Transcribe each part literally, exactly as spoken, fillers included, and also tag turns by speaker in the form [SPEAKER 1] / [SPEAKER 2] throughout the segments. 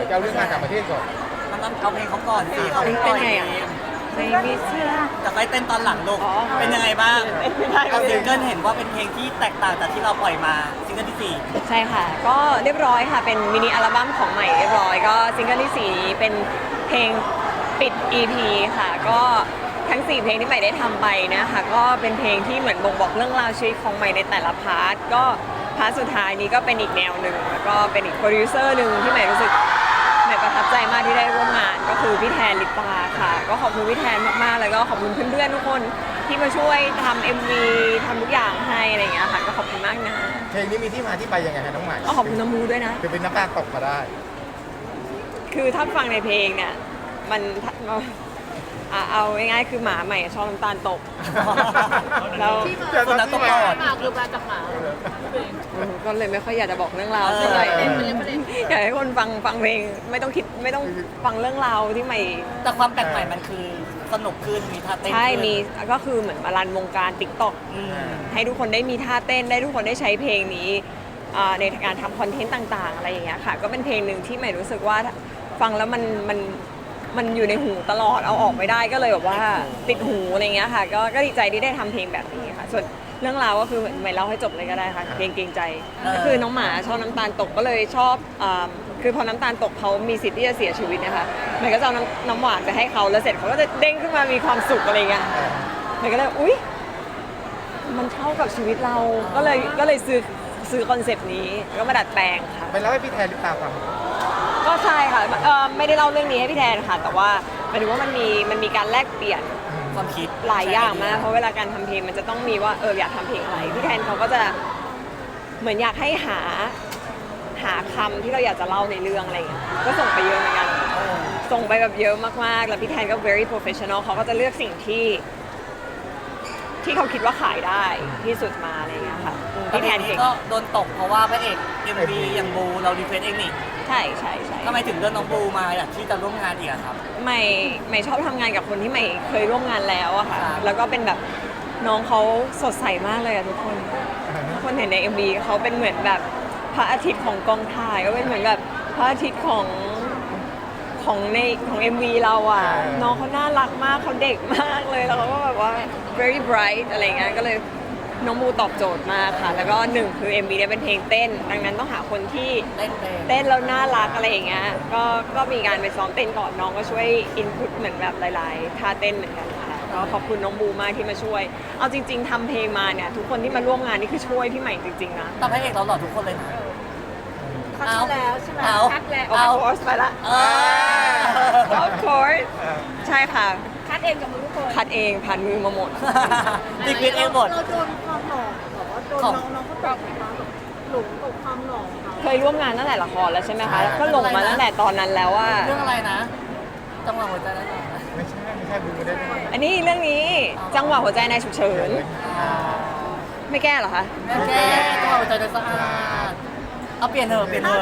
[SPEAKER 1] จะเอาเรื่องงานต่างประเทศก่อน
[SPEAKER 2] มันต้องเอาเพลงเขาก่อนสิเขา
[SPEAKER 3] เป็น
[SPEAKER 2] ปล่อย
[SPEAKER 3] ไง
[SPEAKER 2] เอ
[SPEAKER 3] อ่ะ
[SPEAKER 2] ง
[SPEAKER 3] ไม่มีเสื้อ
[SPEAKER 2] แต่ไปเต้นตอนหลังลูก
[SPEAKER 3] อ๋อ
[SPEAKER 2] เป็นยังไงบ้าง
[SPEAKER 3] ไม่ได้
[SPEAKER 2] เอาซิงเกิลเห็นว่าเป็นเพลงที่แตกต่างจากที่เราปล่อยมาซิงเกิลที่สี่
[SPEAKER 3] ใช่ค่ะ ก็เรียบร้อยค่ะ เป็นมินิอัลบั้มของใหม่เรียบร้อย ก็ซิงเกิลที่สี่นี้เป็นเพลงปิด อี พี ค่ะ ก็ทั้งสี่เพลงที่ใหม่ได้ทำไปนะคะก็เป็นเพลงที่เหมือนบ่งบอกเรื่องราวชีวิตของใหม่ในแต่ละพาร์ท ก็พาร์ทสุดท้ายนี้ก็เป็นอีกแนวหนึ่งแล้วก็เป็นอีกโปรดิวเซอร์หนึ่งที่ใหม่รู้สึกใหม่ประทับใจมากที่ได้ร่วมงาน ก็คือพี่แทนลิปตาค่ะ ก็ขอบคุณพี่แทนมากๆแล้วก็ขอบคุณเพื่อนๆทุกคนที่มาช่วยทำ เอ็ม วี ทำทุกอย่างให้อะไรอย่างเงี้ยค่ะก็ขอบคุณมากนะ
[SPEAKER 1] เพลงนี้มีที่มาที่ไปยังไงคะน้องใหม่
[SPEAKER 3] ก็ขอบคุณน้ำมูด้วยนะ
[SPEAKER 1] คือเป็นน้ำตาตกมาได้
[SPEAKER 3] คือถ้าฟังในเพลงเนี่ยมันอ่ะเอาง่ายๆคือหมาใหม่ชอบน้ำตาลตก แล้ว
[SPEAKER 2] คนนั้นต้องรอด
[SPEAKER 4] หมาคือมาจากหมา
[SPEAKER 3] ก็เลยไม่ค่อยอยากจะบอกเรื่องราวเท่าไหร่
[SPEAKER 2] เออ
[SPEAKER 3] อยากให้คนฟังฟังเพลงไม่ต้องคิดไม่ต้องฟังเรื่องราวที่ใหม่
[SPEAKER 2] แต่ความแปลกใหม่มันคือสนุกขึ้นมีท่าเต้น
[SPEAKER 3] ใช่
[SPEAKER 2] ขึ้น
[SPEAKER 3] มีก็คือเหมือนมารันวงการติ๊กต็อก
[SPEAKER 2] อืม
[SPEAKER 3] ให้ทุกคนได้มีท่าเต้นได้ทุกคนได้ใช้เพลงนี้อ่าในการทำคอนเทนต์ต่างๆอะไรอย่างเงี้ยค่ะก็เป็นเพลงหนึ่งที่ใหม่รู้สึกว่าฟังแล้วมันมันมันอยู่ในหูตลอดเอาออกไม่ได้ก็เลยแบบว่าติดหูอะไรเงี้ยค่ะก็ก็ดีใจที่ได้ทำเพลงแบบนี้ค่ะส่วนเรื่องราวก็คือไม่เล่าให้จบเลยก็ได้ค่ะเพลงเกรงใจก็คือน้องหมาชอบน้ำตาลตกก็เลยชอบอ่าคือพอน้ำตาลตกเขามีสิทธิ์ที่จะเสียชีวิตนะคะใหม่ก็จะเอาน้ำน้ำหวานไปให้เขาแล้วเสร็จเขาก็จะเด้งขึ้นมามีความสุขอะไรเงี้ยใหม่ก็เลยอุ๊ยมันเข้ากับชีวิตเราก็เลยก็เลยซื้อซื้อคอนเซปต์นี้ก็มาดัดแปลงค่ะ
[SPEAKER 1] ไปเล่าให้พี่แทนลิปตาฟัง
[SPEAKER 3] ก็ใช่ค่ะเอ่อไม่ได้เล่าเรื่องนี้ให้พี่แทนค่ะ แต่ว่าหมายถึงว่ามันมีมันมีการแลกเปลี่ยน
[SPEAKER 2] ความคิด
[SPEAKER 3] หลายอย่างมากเพราะเวลาการทำเพลงมันจะต้องมีว่าเอออยากทำเพลงอะไรพี่แทนเขาก็จะเหมือนอยากให้หาหาคำที่เราอยากจะเล่าในเรื่องอะไรอย่างเงี้ยก็ส่งไปเยอะเหมือนกันส่งไปแบบเยอะมากๆแล้วพี่แทนก็ very professional เขาก็จะเลือกสิ่งที่ ที่เขาคิดว่าขายได้ที่สุดมาอะไรอย่างเงี้ยค่ะอืม
[SPEAKER 2] แล้ว
[SPEAKER 3] พี่
[SPEAKER 2] เพ
[SPEAKER 3] แท
[SPEAKER 2] ลง
[SPEAKER 3] น
[SPEAKER 2] นี้
[SPEAKER 3] เก่ง
[SPEAKER 2] ก็โดนตกเพราะว่าพระเอกเอ็มวีอย่างบูเรารีเควสเองนี่
[SPEAKER 3] ใช่ใช่ใช่
[SPEAKER 2] ทำไมถึงเลือกน้องบูมาอยากที่จะร่วมงานอีกอะครับ
[SPEAKER 3] ใหม่ใหม่ชอบทำงานกับคนที่ใหม่เคยร่วมงานแล้วอะค่ะ
[SPEAKER 2] ครับ
[SPEAKER 3] แล้วก็เป็นแบบน้องเขาสดใสมากเลยอะทุกคนทุกคนเห็นใน เอ็ม วี เขาเป็นเหมือนแบบพระอาทิตย์ของกองถ่ายก็เป็นเหมือนแบบพระอาทิตย์ของของในของ เอ็ม วี เราอะน้องเขาน่ารักมากเขาเด็กมากเลยแล้วเขาก็แบบว่า very bright อะไรเงี้ยก็เลยน้องบูตอบโจทย์มากค่ะ แล้วก็หนึ่งคือ เอ็ม วี เนี่ยเป็นเพลงเต้น ดังนั้นต้องหาคนที่
[SPEAKER 2] เต้นเพลง
[SPEAKER 3] เต้นแล้วน่ารักอะไรอย่างเงี้ย ก็ก็มีการไปซ้อมเต้นก่อนน้องก็ช่วยอินพุตเหมือนแบบหลายๆท่าเต้นเหมือนกันค่ะก็ขอบคุณน้องบูมากที่มาช่วย เอาจริง ๆทำเพลงมาเนี่ยทุกคนที่มาร่วมงานนี่คือช่วยพี่ใหม่จริงๆนะ
[SPEAKER 2] แต่พระเอกเราหล่อทุกคนเลยนะ
[SPEAKER 4] คัดมาแล้วใช่ไหม
[SPEAKER 2] เอา
[SPEAKER 4] คัดแล้ว
[SPEAKER 3] of course ไปละ
[SPEAKER 2] เออ
[SPEAKER 3] of course ใช่ค่ะ
[SPEAKER 4] คัดเองกับมือทุกคน
[SPEAKER 3] คัดเองผ่านมือมาหมด
[SPEAKER 2] รีเควสเองหมด
[SPEAKER 5] เราโดนความหล่อแบบว่าโดน
[SPEAKER 2] ของ
[SPEAKER 5] น้องน้องเขาตกไหมคะแบบหลงกับความหล่อของเขา
[SPEAKER 3] เคยร่วมงานตั้งแต่ละครแล้วใช่ไหมคะ
[SPEAKER 1] ใช่
[SPEAKER 3] ก็หลงมาตั้งแต่ตอนนั้นแล้วว่า
[SPEAKER 2] เรื่องอะไรนะจังหวะหัวใจแล้วนะ
[SPEAKER 1] ไม่ใช่ไม่ใช่บูไม่ได้ด้วย
[SPEAKER 3] อันนี้เรื่องนี้จังหวะหัวใจในฉุกเฉิน ไม่แก้เหรอคะ
[SPEAKER 2] แม่แก้จังหวะหัวใจเลยสะอาดเอาเปลี่ยนเถอะเปลี่ยนเถอะ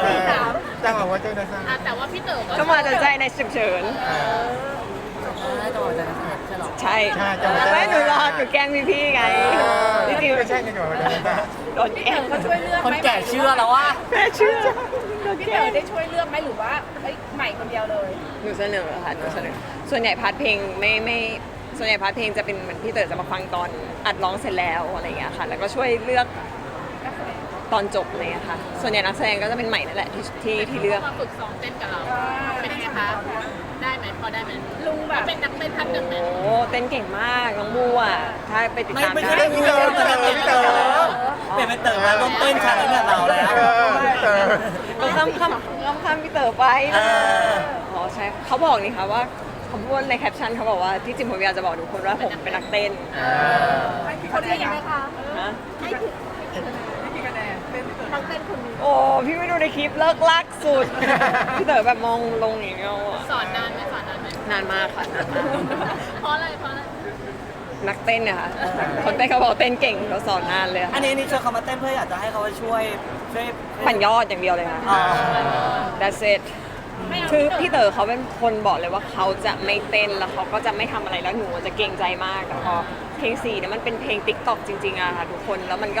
[SPEAKER 1] จังหวะว่าเจ้าหน้าที่
[SPEAKER 4] อ่ะแต่ว่าพี่เต๋อก็
[SPEAKER 3] จังหวะหัวใจในฉุกเฉิน
[SPEAKER 2] ใช่จังหวะหัวใจเลยสะอาดใช่หรอ
[SPEAKER 3] ใช่
[SPEAKER 1] ใช่จังหวะ
[SPEAKER 3] ไม่หนูรอหนูแกล้งพี่ๆไงจริง
[SPEAKER 1] ไม่ใช่ในจังหวะว่าเจ้าหน้าที่
[SPEAKER 3] ๆโดนแกล้ง
[SPEAKER 4] เขาช่วยเลือก
[SPEAKER 2] คน
[SPEAKER 4] ไหม
[SPEAKER 2] แก่เชื่อแล้วว่า
[SPEAKER 3] แม่เชื่อ
[SPEAKER 4] พี่เต๋อได้ช่วยเลือกไหมหรือว่าเอ้ยใหม่คนเดียวเลย
[SPEAKER 3] หนูเสนอค่ะหนูเสนอส่วนใหญ่พาร์ทเพลงไม่ไม่ส่วนใหญ่พาร์ทเพลงจะเป็นเหมือนพี่เต๋อจะมาฟังตอนอัดร้องเสร็จแล้วอะไรอย่างเงี้ยค่ะ แล้วก็ช่วยเลือกตอนจบอะไรอย่างเงี้ยค่ะ ส่วนใหญ่นักแสดงก็จะเป็นใหม่นั่นแหละที่ที่ที่เลือก
[SPEAKER 4] มาฝึกซ้อมเต้นกับเรา เป็นยังไงคะ ได้ไหมพอได้ไหมลุงแบบเป็นนักเต้นท่านหนึ่งไหม
[SPEAKER 3] โอ้เต้นเก่งมากน้องบูอ่ะถ้าไปติด
[SPEAKER 2] ไม่
[SPEAKER 3] ตาม
[SPEAKER 2] ไม่
[SPEAKER 3] ได้
[SPEAKER 2] ใช่เรื่องนี้เลยมันเป็นพี่เต๋อเปลี่ยนเป็นเต๋อมาร่วมเต้นชาเลนจ์กับเราแล้ว
[SPEAKER 1] เออเออ
[SPEAKER 3] ก็ข้ามข้ามข้ามข้ามพี่เต๋อไป
[SPEAKER 2] เออ
[SPEAKER 3] อ๋อใช่เขาบอกนี่ค่ะว่าเขาพูดในแคปชั่นเขาบอกว่าที่จริงผมอยากจะบอกทุกคนว่าผมเป็นนักเต้น
[SPEAKER 4] คนนี้ยังไงคะ
[SPEAKER 3] นะ
[SPEAKER 5] ให้ถึงให้กี่คะแนนเป็นทั้งเต้นคนนี้
[SPEAKER 3] โอ้พี่ไม่ดูในคลิปเลิกลักสุด พี่เต๋อแบบมองลงอย่างเงี้ยอะ
[SPEAKER 4] สอนนานไหมสอนนานไหม
[SPEAKER 3] นานมากค่ะนานมาก
[SPEAKER 4] เพราะอะไรเพราะอะไร
[SPEAKER 3] นักเต้นเนี่ยค่ะคนเต้นเขาบอกเต้นเก่งเขาสอนนานเลย
[SPEAKER 2] อันนี้นี่ชวนเขามาเต้นเพื่ออยากจะให้เขามาช่วยช่วย
[SPEAKER 3] ปั่นยอดอย่างเดียวเลยค่ะ
[SPEAKER 2] อ๋อ
[SPEAKER 3] that's it คือพี่เต๋อเขาเป็นคนบอกเลยว่าเขาจะไม่เต้นแล้วเขาก็จะไม่ทำอะไรแล้วหนูจะเกรงใจมากแต่พอเพลงสี่เนี่ยมันเป็นเพลงติ๊กต็อกจริงๆอะค่ะทุกคนแล้วมันก็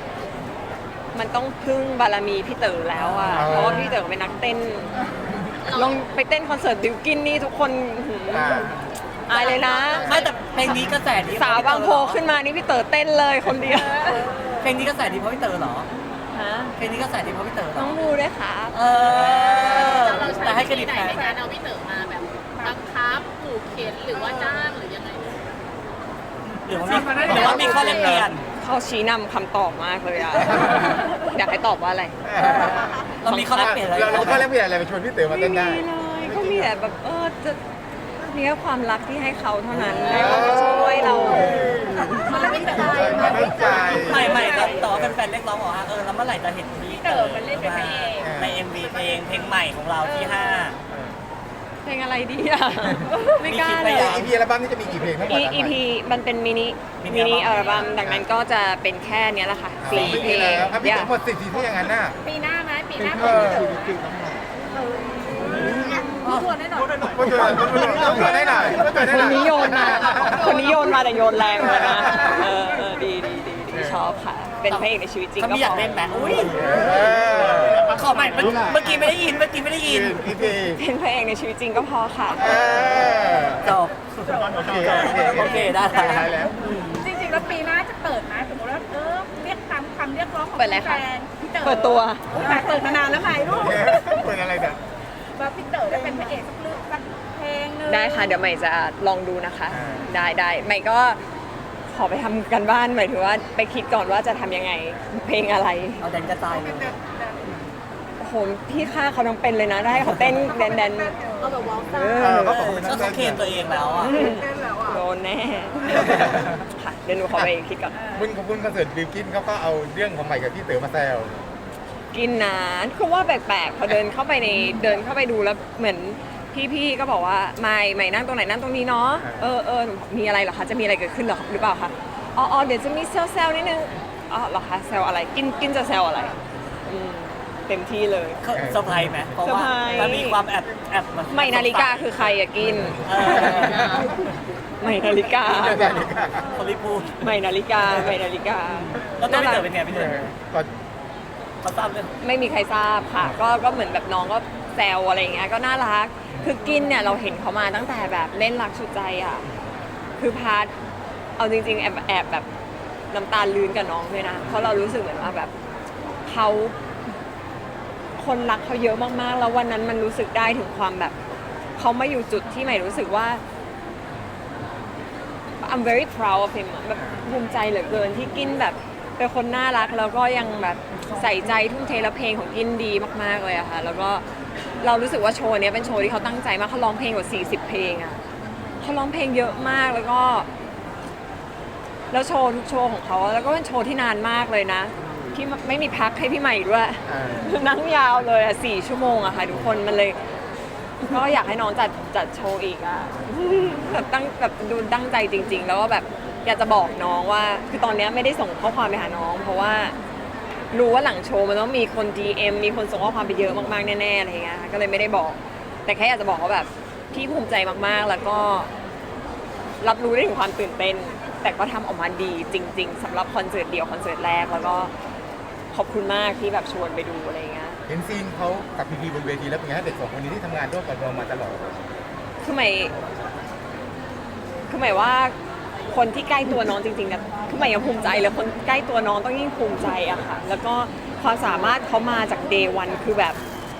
[SPEAKER 3] มันต้องพึ่งบารมีพี่เต๋อแล้วอะเพราะว่าพี่เต๋อเป็นนักเต้นลองไปเต้นคอนเสิร์ตบิวกินนี่ทุกคนหืม
[SPEAKER 1] อ่า
[SPEAKER 3] อายเลยนะ
[SPEAKER 2] ไม่แต่เพลงนี้กระแสดี
[SPEAKER 3] สาวบางโพขึ้นมานี่พี่เต๋อเต้นเลยคนเดียว
[SPEAKER 2] เพลงนี้กระแสดีเพราะพี่เต๋อเหรอ
[SPEAKER 3] ฮะ
[SPEAKER 2] เพลงนี้กระแสดีเพราะพี่เต๋อเหร
[SPEAKER 3] น้
[SPEAKER 2] อ
[SPEAKER 3] องบูด้วยค่ะ
[SPEAKER 2] เออ
[SPEAKER 4] เราใช้
[SPEAKER 2] แต่ให้เคร
[SPEAKER 4] วิ
[SPEAKER 2] ดิ
[SPEAKER 4] ธี
[SPEAKER 2] ต
[SPEAKER 4] ไหน
[SPEAKER 2] แฟน
[SPEAKER 4] ในการเอาพี่เต๋อมาแบบบังคับขู่เข็นหรือว่าจ้างหรือยังไง
[SPEAKER 2] หรือว่ามีหรือว่ามีข้อแลกเปลี่ยน
[SPEAKER 3] เขาชี้นำคำตอบมากเลยอะอยากให้ตอบว่าอะไร
[SPEAKER 2] เรามีข้อแลกเปลี่ยนอะไร
[SPEAKER 1] เราเราก็เล่นเปลี่ยนอะไรไปชวนพี่เต๋อมา
[SPEAKER 3] ไม่
[SPEAKER 1] เต้น
[SPEAKER 3] มี
[SPEAKER 1] ได้
[SPEAKER 3] เลยก็มีแต่แบบเออจะมีแค่ความรักที่ให้เขาเท่านั้นให้เขามาช่วยเรา
[SPEAKER 4] มันไม่ใจ
[SPEAKER 1] มันไม่ใจ
[SPEAKER 2] ไม่ไม่แต่แต่ว่าแฟนๆเรียกร้องบอกว่าเออแล้วเมื่อไหร่จะเห็นพี่เต๋อมันเล่นเป็นพระเอกใน เอ็ม วี เพลงเพลงใหม่ของเราที่ห้า
[SPEAKER 3] เพลงอะไรดีอะไม่กล้า
[SPEAKER 2] มีคิด
[SPEAKER 3] เล
[SPEAKER 2] ไว้
[SPEAKER 3] ย
[SPEAKER 2] ยัง
[SPEAKER 1] อีพีอัลบั้มนี่จะมีกี่เพลงทั้งหมด
[SPEAKER 3] อี อีพีมันเป็นมินิ
[SPEAKER 2] มิ
[SPEAKER 3] มิ
[SPEAKER 2] นิ
[SPEAKER 3] นิ
[SPEAKER 2] อั
[SPEAKER 3] อั
[SPEAKER 2] ล
[SPEAKER 3] ล
[SPEAKER 2] บั้
[SPEAKER 3] บั้
[SPEAKER 2] ม
[SPEAKER 3] มดังนั้นก็จะเป็นแค่เนี้ยแหละค่ะสี่เพลง
[SPEAKER 1] แล้วอ่ะพี่
[SPEAKER 3] อย่า
[SPEAKER 1] เต๋อหมดสิทธิ์ที่อย่างนั้นน่ะ
[SPEAKER 4] ปีหน้าไหมปีหน้า
[SPEAKER 1] เออ
[SPEAKER 5] ชวนได้หน่อย
[SPEAKER 1] พูดเถอะพูดเถอะพูดเถอะได้หน่อยพูดเถอะได้
[SPEAKER 3] ค
[SPEAKER 1] หน่
[SPEAKER 3] น
[SPEAKER 1] อย
[SPEAKER 3] นี้โยนมาคนนี้โยนมาแต่โยนแรงเลยนะเออเออดีดีดีดีชอบค่ะ เป็นพระเอกในชีวิตจริง
[SPEAKER 2] เขา
[SPEAKER 3] ก็
[SPEAKER 2] ไม่
[SPEAKER 3] พ
[SPEAKER 2] อยาก
[SPEAKER 3] อ
[SPEAKER 2] เล่นแบบอุ้ย
[SPEAKER 1] เออ
[SPEAKER 2] ขอใหม่เมื่อเมื่อกี้ไม่ได้ยินเมื่อกี้ไม่ได้ยิน
[SPEAKER 1] อีพี
[SPEAKER 3] เป็นพระเอกในชีวิตจริงก็พอค่ะ
[SPEAKER 1] เออ
[SPEAKER 2] จบ
[SPEAKER 1] โอเค
[SPEAKER 2] โอเคได้
[SPEAKER 1] ได้
[SPEAKER 2] แล้ว
[SPEAKER 1] แล้ว
[SPEAKER 5] จริงๆแล้วปีหน้าจะเปิดไหมสมมติว่าเออเรียกตามคำเรียกร้องของ
[SPEAKER 3] เปิดอะไรคะ
[SPEAKER 5] แฟนพี่เต๋อ
[SPEAKER 3] เปิดตัว
[SPEAKER 5] แต่เปิดมานานแล้วไงลูก
[SPEAKER 1] เปิดอะไรเนี่ย
[SPEAKER 5] ว่าพี่เต๋อได้เป็นพระเอกสักเรื่องสักเพลงหนึง
[SPEAKER 3] ได้ค่ะเดี๋ยวใหม่จะลองดูนะคะ
[SPEAKER 1] อ่า
[SPEAKER 3] ได้ได้ใหม่ก็ขอไปทำกันบ้านหมายถึงว่าไปคิดก่อนว่าจะทำยังไง เพลงอะไร
[SPEAKER 2] เอาแดนกระจายเลย
[SPEAKER 3] โอ้โหพี่ค่าเขาต้องเป็นเลยนะได้เขาเต้นแดนแดน
[SPEAKER 5] เอาแบบว้าว
[SPEAKER 3] เอ
[SPEAKER 1] เอ
[SPEAKER 3] อ
[SPEAKER 1] อ
[SPEAKER 2] ก็
[SPEAKER 1] ก็บอกเป็นนั
[SPEAKER 2] เขา
[SPEAKER 1] กเต้น
[SPEAKER 2] เคลมตัวเองแล้วอ่ะ
[SPEAKER 5] เต้นแล้วอ่ะ
[SPEAKER 3] โดนแน่ค่ะเดี๋ยวหนูขอไปคิดก่อน
[SPEAKER 1] บุญของบุญคอนเสิร์ตบิวกินเขาก็เอาเรื่องของใหม่กับพี่เต๋อมาแซว
[SPEAKER 3] กินนานคือว่าแปลกๆพอเดินเข้าไปในเดินเข้าไปดูแล้วเหมือนพี่ๆก็บอกว่าไม่ไม่นั่งตรงไหนนั่งตรงนี้เนาะเออเออมีอะไรเหรอคะจะมีอะไรเกิดขึ้นเหรอหรือเปล่าคะอ๋ออ๋อเดี๋ยวจะมีเซลเซลนิดนึงอ๋อเหรอคะเซลอะไรกินกินจะเซลอะไรอืมเต็มที่เลย
[SPEAKER 2] เขาเซอร์ไพรส์ไหมเพราะว่า
[SPEAKER 3] เซอร์ไพรส์
[SPEAKER 2] มันมีความแอบแอบ
[SPEAKER 3] ไม่นาฬิกาคือใครอะกิน
[SPEAKER 2] เออ
[SPEAKER 3] ไม่นาฬิกา
[SPEAKER 2] เขาไม่พูด
[SPEAKER 3] ไม่นาฬิกาไม่นาฬิกา
[SPEAKER 2] แล้วตัวพี่เต๋อเป็นไงพี่
[SPEAKER 1] เอ
[SPEAKER 2] เต๋อ
[SPEAKER 1] อก็
[SPEAKER 2] เขาทราบเรื่อง
[SPEAKER 3] ไม่มีใครทราบค่ะ ก็ก็เหมือนแบบน้องก็แซวอะไรอย่างเงี้ยก็น่ารักคือกินเนี่ยเราเห็นเขามาตั้งแต่แบบเล่นรักสุดใจอ่ะคือพาร์ทเอาจริงๆแอบแอบแบบน้ำตาลื้นกับน้องด้วยนะเพราะเรารู้สึกเหมือนว่าแบบเขาคนรักเขาเยอะมากๆ แล้ววันนั้นมันรู้สึกได้ถึงความแบบเขามาอยู่จุดที่ใหม่รู้สึกว่า I'm very proud of him อะแบบภูมิใจเหลือเกินที่กินแบบเป็นคนน่ารักแล้วก็ยังแบบใส่ใจทุ่มเทและเพลงของกินดีมากๆเลยอะค่ะแล้วก็เรารู้สึกว่าโชว์เนี้ยเป็นโชว์ที่เขาตั้งใจมากเขาร้องเพลงกว่าสี่สิบเพลงอะเขาร้องเพลงเยอะมากแล้วก็ แล้วโชว์ทุกโชว์ของเขาแล้วก็เป็นโชว์ที่นานมากเลยนะที่ไม่มีพักให้พี่ใหม่ด้วย
[SPEAKER 1] อ่า
[SPEAKER 3] นั่งยาวเลยอะสี่ชั่วโมงอะค่ะทุกคนมันเลย ก็อยากให้น้องจัดจัดโชว์อีกอะแบบตั้งแบบดูตั้งใจจริง ๆ แล้วก็แบบอยากจะบอกน้องว่าคือตอนเนี้ยไม่ได้ส่งข้อความไปหาน้อง เพราะว่ารู้ว่าหลังโชว์มันต้องมีคน ดี เอ็ม มีคนส่งข้อความไปเยอะมากๆแน่ๆอะไรเงี้ยก็เลยไม่ได้บอก แต่แค่อยากจะบอกว่าแบบพี่ภูมิใจมากๆแล้วก็รับรู้ได้ถึงความตื่นเต้น แต่ก็ทำออกมาดีจริง ๆสำหรับคอนเสิร์ตเดียวคอนเสิร์ตแรกแล้วก็ขอบคุณมากที่แบบชวนไปดูอะไรเงี้ย
[SPEAKER 1] เห็นซีนเขากับพีพีบนเวทีแล้วเป็นไงฮะเด็กสองคนนี้ที่ทำงานร่วมกับเรามาตลอด
[SPEAKER 3] คือหมายคือหมายว่าคนที่ใกล้ตัวน้องจริงๆนะคือหมายยังภูมิใจเลยคนใกล้ตัวน้องต้องยิ่งภูมิใจอะค่ะ แล้วก็ความสามารถเขามาจากเดย์วันคือแบบ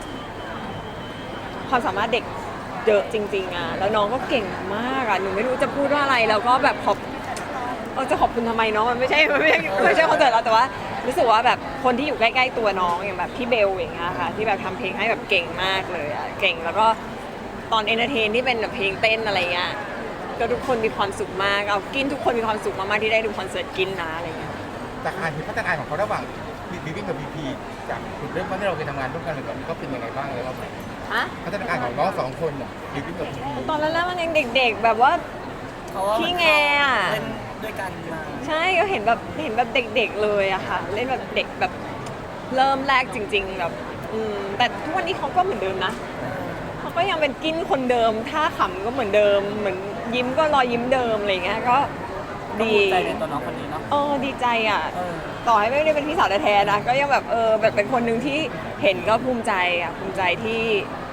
[SPEAKER 3] ความสามารถเด็กเยอะจริงๆอะแล้วน้องก็เก่งมากอะหนูไม่รู้จะพูดว่าอะไรแล้วก็แบบขอบเออจะขอบคุณทำไมเนาะมันไม่ใช่มันไม่ใช่ไม่ใช่คอนเสิร์ตเราแต่ว่ารู้สึกว่าแบบคนที่อยู่ใกล้ๆตัวน้องอย่างแบบพี่เบลอย่างเงี้ยค่ะที่แบบทำเพลงให้แบบเก่งมากเลยอะเก่งแล้วก็ตอนเอนเตอร์เทนที่เป็นแบบเพลงเต้นอะไรเงี้ยก็ทุกคนมีความสุขมากเอากินทุกคนมีความสุขมากๆที่ได้ดูคอนเสิร์ตกินนะอะไรเงี้ย
[SPEAKER 1] จากการเห็นพัฒนาการของเขาระหว่างบิวกิ้นกับพีพีจากจุดเริ่มต้นที่เราเคยทำงานร่วมกันเลยตอนนี้เขาเป็นยังไงบ้างเลยเรา
[SPEAKER 3] ฮะ
[SPEAKER 1] พัฒนาการของน้องสองคนน่ะบิวกิ้นกับพีพี
[SPEAKER 3] ตอนแรกๆมันยังเด็กๆ แบบว่า
[SPEAKER 2] เพราะว่า
[SPEAKER 3] ขี้แงอะ
[SPEAKER 2] เล่นด้วยกันมา
[SPEAKER 3] ใช่ก็เห็นแบบเห็นแบบเด็กๆเลยอะค่ะ เล่นแบบเด็กแบบเริ่มแรกจริง ๆ แบบอืมแต่ทุกวันนี้เขาก็เหมือนเดิมนะเขาก็ยังเป็นกินคนเดิมท่าขำก็เหมือนเดิม เหมือนยิ้มก็รอยยิ้มเดิมอะไรเงี้ยก็
[SPEAKER 2] ดี
[SPEAKER 3] ดี
[SPEAKER 2] ใจในตัวน้องคนนี้เนาะ
[SPEAKER 3] เออดีใจอ่ะ
[SPEAKER 2] เออ
[SPEAKER 3] ต่อให้ไม่ได้เป็นพี่สาวแท้ๆนะก็ยังแบบเออแบบเป็นคนหนึ่งที่เห็นก็ภูมิใจอ่ะภูมิใจที่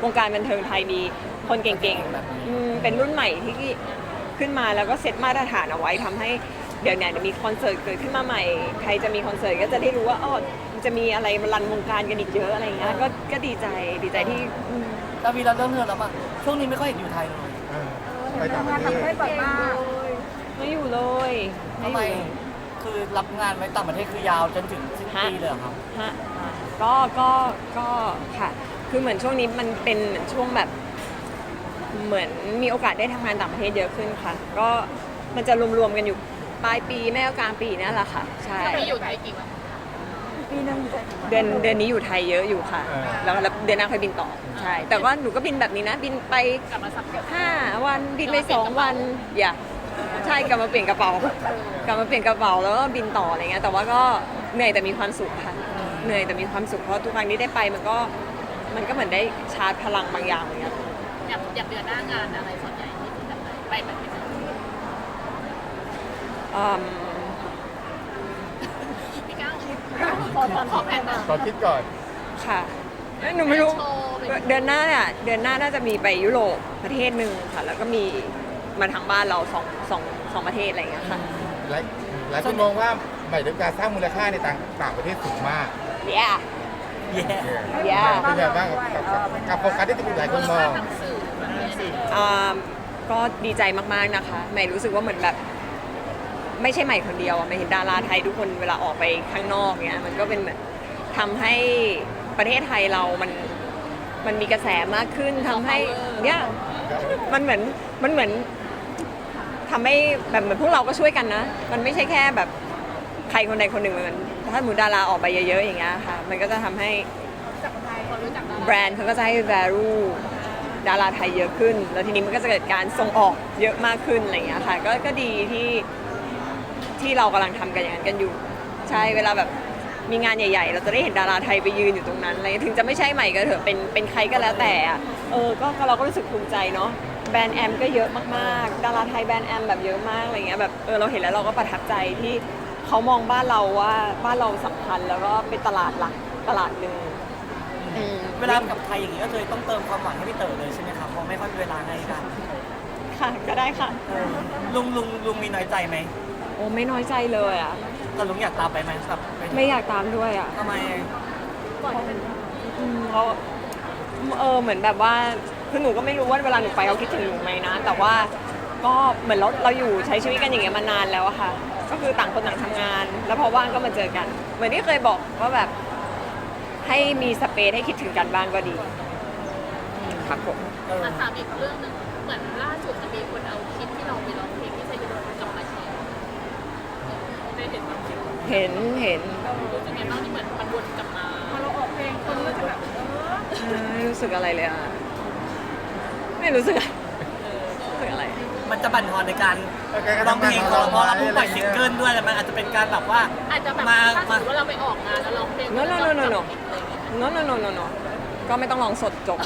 [SPEAKER 3] วงการบันเทิงไทยมีคนเก่งๆอืมเป็นรุ่นใหม่ที่ขึ้นมาแล้วก็เซตมาตรฐานเอาไว้ทำให้เดี๋ยวเนี่ยเดี๋ยวมีคอนเสิร์ตเกิดขึ้นมาใหม่ใครจะมีคอนเสิร์ตก็จะได้รู้ว่าอ๋อมันจะมีอะไรมารันวงการกันอีกเยอะอะไรอย่างเงี้ยก็ก็ดีใจดีใจที่อืม
[SPEAKER 2] ดาวีเราเริ่มเงินแล้วป่ะช่วงนี้ไม่ค่อยเห็นอยู่ไทยเลย
[SPEAKER 1] เออไปต่างประเทศ
[SPEAKER 5] บ่อยมาก
[SPEAKER 3] ไม่อยู่เลยไม่
[SPEAKER 2] ทำ
[SPEAKER 3] อ
[SPEAKER 2] ไม
[SPEAKER 3] ยู่เลย
[SPEAKER 2] คือรับงานไว้ต่างประเทศคือยาวจนถึงสิ้นปีเลยเหรอครับ
[SPEAKER 3] ฮะก็ก็ก็ค่ะ คือเหมือนช่วงนี้มันเป็นเหมือนช่วงแบบ เหมือนมีโอกาสได้ทำงานต่างประเทศเยอะขึ้นค่ะ ก็มันจะรวมๆกันอยู่ปลายปีแม่ก็กลางปีนั่นแหละค่ะ ใช่
[SPEAKER 4] ไปอยู่ไทยกี่วัน
[SPEAKER 3] ปีนึงเดือนเดือนนี้อยู่ไทยเยอะอยู่ค่ะ แล้วแล้วเดือนหน้าค่อยบินต่อ ใช่ แต่ว่าหนูก็บินแบบนี้นะ บินไป
[SPEAKER 4] กลับมาสับเกี่ยว
[SPEAKER 3] ห้าวันบินไปสองวันอย่าใช่กลับมาเปลี่ยนกระเป๋า กลับมาเปลี่ยนกระเป๋าแล้วก็บินต่ออะไรเงี้ยแต่ว่าก็เหนื่อยแต่มีความสุขค่ะเหนื่อยแต่มีความสุขเพราะทุกครั้งที่ได้ไปมันก็มันก็เหมือนได้ชาร์จพลังบางอย่างเหมือนกัน
[SPEAKER 4] อยากอยากเดือนหน้างานอะไรส่วนใหญ่ที่จะไปไปแบบนี้
[SPEAKER 3] อืม
[SPEAKER 4] พี่ก้าวขอขอแผนหน่อย
[SPEAKER 1] ขอคิดก่อน
[SPEAKER 3] ค่ะเอ้ยหนูไม่รู้
[SPEAKER 4] โชว์เป็น
[SPEAKER 3] เดือนหน้าเนี่ยเดือนหน้าน่าจะมีไปยุโรปประเทศหนึ่งค่ะ แล้วก็มีมาทางบ้านเราสองสองสองประเทศอะไรอย่างเงี้ยค่ะ
[SPEAKER 1] หลายหลายคนมองว่าใหม่ดาวิกาสร้างมูลค่าในต่างต่างประเทศสูงมาก
[SPEAKER 3] yeah
[SPEAKER 2] เย่
[SPEAKER 3] yeah
[SPEAKER 1] เป็นแบบว่ากับกับกับโฟกัสที่หลายคนมอง
[SPEAKER 4] ทางสื่อแบบนี้
[SPEAKER 3] อ่าก็ดีใจมากๆนะคะใหม่รู้สึกว่าเหมือนแบบ ไม่ใช่ใหม่คนเดียวอะใหม่เห็นดาราไทยทุกคนเวลาออกไปข้างนอกเนี้ยมันก็เป็นเหมือนทำให้ประเทศไทยเรามันมันมีกระแสมากขึ้นทำให้เนี่ยมันเหมือนมันเหมือนทำให้แบบเหมือนพวกเราก็ช่วยกันนะ มันไม่ใช่แค่แบบใครคนใดคนหนึ่งมันถ้าหมูดาราออกไปเยอะๆอย่างเงี้ยค่ะมันก็จะทำให้
[SPEAKER 4] คนรู้จักดารา
[SPEAKER 3] แบรนด์เขาก็จะให้ value ดาราไทยเยอะขึ้น แล้วทีนี้มันก็จะเกิดการส่งออกเยอะมากขึ้นอะไรอย่างเงี้ยค่ะก็ก็ดีที่ที่เรากำลังทำกันอย่างนั้นกันอยู่ ใช่เวลาแบบมีงานใหญ่ๆ เราจะได้เห็นดาราไทยไปยืนอยู่ตรงนั้นอะไรถึงจะไม่ใช่ใหม่ก็เถอะเป็นเป็นใครก็แล้วแต่อะเออก็ก็เราก็รู้สึกภูมิใจเนาะแบรนด์แอมก็เยอะมากๆดาราไทยแบรนด์แอมแบบเยอะมากอะไรเงี้ยแบบเออเราเห็นแล้วเราก็ประทับใจที่เขามองบ้านเราว่าบ้านเราสำคัญแล้วก็เป็นตลาดหลักตลาดหนึ่งอืม
[SPEAKER 2] เวลากับไทยอย่างนี้ก็เลยต้องเติมความหวังให้พี่เต๋อเลยใช่ไหมครับเพราะไม่ค่อยมีเวลาให้กัน
[SPEAKER 3] ค่ะก็ได้ค่ะ
[SPEAKER 2] เออลุงลุงลุงมีน้อยใจไหม
[SPEAKER 3] โอ้ไม่น้อยใจเลยอ่ะ
[SPEAKER 2] แต่ลุงอยากตามไปไหมแบบป
[SPEAKER 3] ไม่อยากตามด้วยอ่ะ
[SPEAKER 2] ทำไม
[SPEAKER 3] อืมเขาเออเหมือนแบบว่าคือหนูก็ไม่รู้ว่าเวลาหนูไปเขาคิดถึงหนูไหมนะ แต่ว่าก็เหมือนเราเราอยู่ใช้ชีวิตกันอย่างเงี้ยมานานแล้วอะค่ะ ก็คือต่างคนต่างทำงาน แล้วพอว่างก็มาเจอกัน เหมือนที่เคยบอกว่าแบบให้มีสเปซให้คิดถึงกันบ้างก็ดีครับผม
[SPEAKER 2] เออ
[SPEAKER 4] มาถามอีกเรื่องหนึงเหมือนล่าสุดจะมีคนเอาคลิปที่เราไปร้องเพลงที่ไซยูโดนกลับมาแชร์ได้เห็นบ้างคลิป
[SPEAKER 3] เห็นเห็น
[SPEAKER 4] รู้สึกไงบ้างที่เหมือนมันวนกลับมา
[SPEAKER 5] พอเราออกเพลงคนก็จะแบบเออ
[SPEAKER 3] ไม่รู้สึกอะไรเลยอะไม่รู้สึกรู้สึกอะไร
[SPEAKER 2] มันจะบั่นทอนในการร้องเพลงของเราเพราะเราเพิ่งปล่อยซิงเกิลด้วยแล้วมันอาจจะเป็นการแบบว่า
[SPEAKER 4] อาจจะแบบ
[SPEAKER 2] มา
[SPEAKER 4] ถ้าสม
[SPEAKER 2] มา
[SPEAKER 4] มติว่าเราไปออกงานแล้วร้องเพลง
[SPEAKER 3] โนโนโนโนโน โนโนโนโนโนก็ไม่ต้องลองสดจบ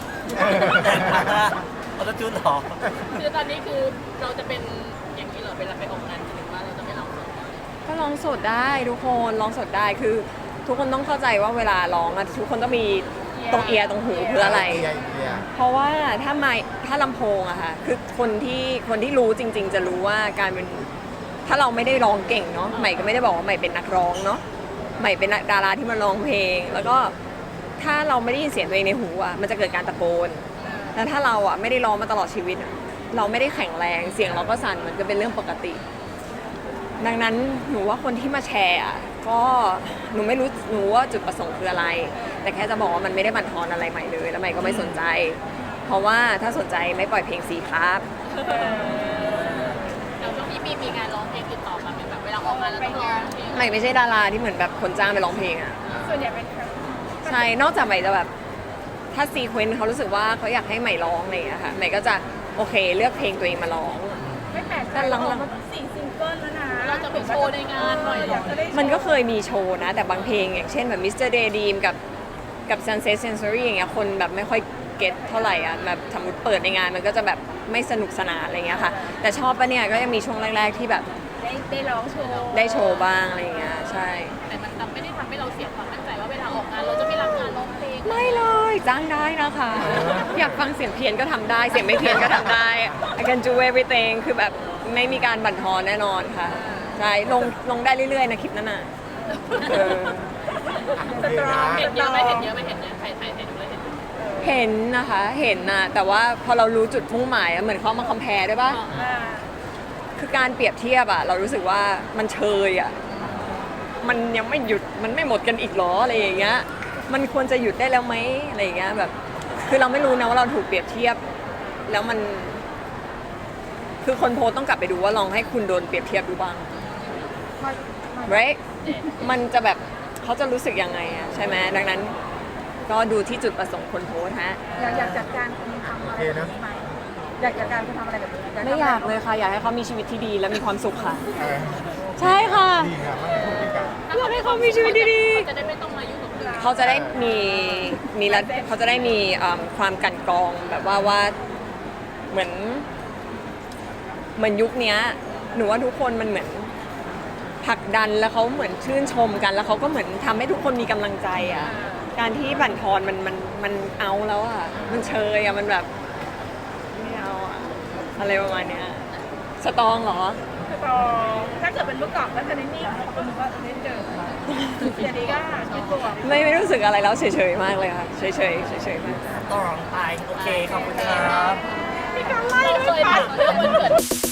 [SPEAKER 2] ออโต้จูนหรอ
[SPEAKER 4] คือตอนนี้คือเราจะเป็นอย่างนี้เหรอเวลาไปออกงานหรือว่าเราจะไม่ร้องสด
[SPEAKER 3] ก็ร้องสดได้ทุกคนร้องสดได้คือ ทุกคนต้องเข้าใจว่าเวลาร้องอะทุกคนต้องมีตรงเอียร์ตรงหูเพื่ออะไร
[SPEAKER 1] เอียเอีย
[SPEAKER 3] เพราะว่าถ้าไมค์ถ้าลำโพงอะค่ะคือคนที่คนที่รู้จริง ๆ จะรู้ว่าการเป็นถ้าเราไม่ได้ร้องเก่งเนาะใหม่ก็ไม่ได้บอกว่าใหม่เป็นนักร้องเนาะใหม่เป็นนักดาราที่มาร้องเพลง แล้วก็ถ้าเราไม่ได้ยินเสียงตัวเองในหูอะมันจะเกิดการตะโกนแล้วถ้าเราอะไม่ได้ร้องมาตลอดชีวิตอะเราไม่ได้แข็งแรงเสียงเราก็สั่นมันก็เป็นเรื่องปกติ ดังนั้นหนูว่าคนที่มาแชร์อะก็หนูไม่รู้หนูว่าจุดประสงค์คืออะไร แต่แค่จะบอกว่ามันไม่ได้บั่นทอนอะไรใหม่เลยแล้วใหม่ก็ไม่สนใจ เพราะว่าถ้าสนใจไม่ปล่อยเพลงสีครับ
[SPEAKER 4] เดี๋ยวช่วงนี้มีมีงานร้องเพลงติดต่อมาเป็นแบบเวลาออกงานแล้วต้องร้องเพลง
[SPEAKER 3] ใหม่ไม่ใช่ดาราที่เหมือนแบบคนจ้างไปร้องเพลงอะ
[SPEAKER 5] ส่วนใหญ่เป็น
[SPEAKER 3] ใช่นอกจากใหม่จะแบบถ้าซีเควนต์เขารู้สึกว่าเขาอยากให้ใหม่ร้องอะไรอย่างเงี้ยค่ะใหม่ก็จะโอเคเลือกเพลงตัวเองมาร้อง
[SPEAKER 5] ไม่แปลกใจเราออกมาสี่ซิงเกิลแล้วนะ
[SPEAKER 4] เราจะไปโชว์ในงานหน่อยเหร
[SPEAKER 5] อยา
[SPEAKER 4] อก
[SPEAKER 5] จะได้
[SPEAKER 3] มันก็เคยมีโชว์นะ แต่บางเพลงอย่างเช่นแบบมิสเตอร์เดย์ดีมกับกับ Sunset Sensory อย่างเงี้ยคนแบบไม่ค่อยเก็ตเท่าไหร่อ่ะแบบสมมติเปิดในงานมันก็จะแบบไม่สนุกสนานอะไรเงี้ยค่ะ แต่ชอบปะเนี่ยก็ยังมีช่วงแรก ๆ ที่แบบ
[SPEAKER 5] ได้ได้ร้องโชว์
[SPEAKER 3] ได้โชว์บ้างอะไรเงี้ยใช่
[SPEAKER 4] แต่มันทำไม่ได้ทำให้เราเสียความมั่นใจว่าเวลาออกงานเราจะไม่รับงานร้องเพลงง
[SPEAKER 3] ไม่เลยจ้างได้นะคะ อยากฟังเสียงเพี้ยนก็ทำได้ เสียงไม่เพี้ยนก็ทำได้ I can do everything คือแบบไม่มีการบั่นทอนแน่นอนค่ะใช่ลงลงได้เรื่อยๆนะคลิปนั้นน่ะเออ
[SPEAKER 1] โอเคนะ
[SPEAKER 4] เห็นเยอะไหมเห็นเยอะไหมเห็นเยอะใครใครใครดูเลยเห็น
[SPEAKER 3] เห็นนะคะเห็นนะแต่ว่าพอเรารู้จุดมุ่งหมายอะเหมือนเขามาคอมเพลด้วยป่ะ
[SPEAKER 5] อ่า
[SPEAKER 3] คือการเปรียบเทียบอะเรารู้สึกว่ามันเชยอะมันยังไม่หยุดมันไม่หมดกันอีกเหรออะไรอย่างเงี้ยมันควรจะหยุดได้แล้วไหมอะไรอย่างเงี้ยแบบคือเราไม่รู้นะว่าเราถูกเปรียบเทียบ แล้วมัน คือคนโพสต์ต้องกลับไปดูว่าลองให้คุณโดนเปรียบเทียบดูบ้าง right มันจะแบบเขาจะรู้สึกยังไงอะใช่ไหมดังนั้น ก็ดูที่จุดประสงค์คนโพสต์ฮะ
[SPEAKER 5] อยากอยากจัดการคุณทำอะไรแบบนี้ไหมอยากจัดการคุณทำอะไรแบบนี้
[SPEAKER 3] ไม่อยากเลยค่ะ อยากให้เขามีชีวิตที่ดีและมีความสุขค่ะ
[SPEAKER 1] เออ
[SPEAKER 3] ใช่ค่ะ
[SPEAKER 1] ดีครับมันเป็นผู้พิการ
[SPEAKER 3] อยากให้เขามีชีวิตดี
[SPEAKER 4] จะได้ไม่ต้องมายุ่งกับเรื่อง
[SPEAKER 3] ๆเขาจะได้มีมีระเขาจะได้มีเอิ่มความกลันกรองแบบว่าว่าเหมือน เหมือนยุคเนี้ยหนูว่าทุกคนมันเหมือนผลักดันแล้วเขาเหมือนชื่นชมกัน แล้วเขาก็เหมือนทำให้ทุกคนมีกำลังใจอ่ะ การที่บั่นทอนมันมันมันเอาแล้วอ่ะ มันเชยอ่ะมันแบบไม่เอาอ่ะอะไรประมาณเนี้ยสตรองเหรอ
[SPEAKER 5] คือต่อถ้าเกิดเป็นเมื่อก่อนก็จะนิ่งๆคนก็จะเล่นเจอเดี๋ยวนี้ก็คิดบวก
[SPEAKER 3] ไม่ไม่รู้สึกอะไรแล้วเฉยๆมากเลยค่ะเฉยๆเฉยๆมาก
[SPEAKER 2] ก็ร้องไปโอเคขอบคุณครับ
[SPEAKER 5] มีการไล่
[SPEAKER 4] เรา
[SPEAKER 5] ด้
[SPEAKER 4] เค
[SPEAKER 5] วย
[SPEAKER 4] ย
[SPEAKER 5] ค่ะ
[SPEAKER 4] ถามเรื่องวันเกิด